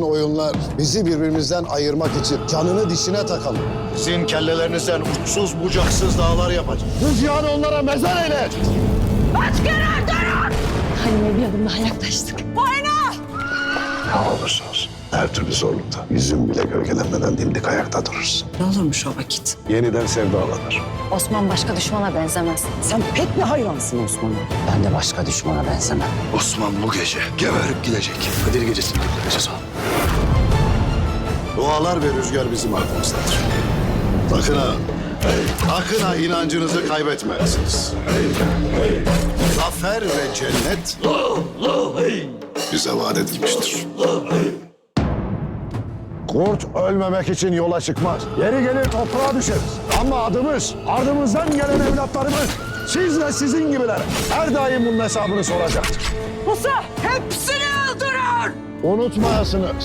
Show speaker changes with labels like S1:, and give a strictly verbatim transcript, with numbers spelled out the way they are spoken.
S1: oyunlar bizi birbirimizden ayırmak için canını dişine takalım.
S2: Sizin kellelerinizden uçsuz bucaksız dağlar yapacak.
S1: Rüzgarı onlara mezar eyle.
S3: Asker durun!
S4: Halime bir adım daha yaklaştık.
S3: Boyna!
S2: Ne olursa olsun her türlü zorlukta yüzün bile gölgelenmeden dimdik ayakta durursun.
S5: Ne olurmuş o vakit?
S2: Yeniden sevdalanır.
S4: Osman başka düşmana benzemez.
S5: Sen pek mi hayransın Osman'a?
S6: Ben de başka düşmana benzemem.
S2: Osman bu gece geberip gidecek. Kadir gecesini göndereceğiz onu. Dualar ve rüzgar bizim arkamızdadır. Sakın ha, sakın ha inancınızı kaybetmezsiniz. Zafer ve cennet bize vaat edilmiştir. Kurt ölmemek için yola çıkmaz. Yeri gelir toprağa düşeriz. Ama adımız, ardımızdan gelen evlatlarımız, siz ve sizin gibiler her daim bunun hesabını soracaktır.
S3: Musa hepsini öldürün!
S1: Unutmayasınız.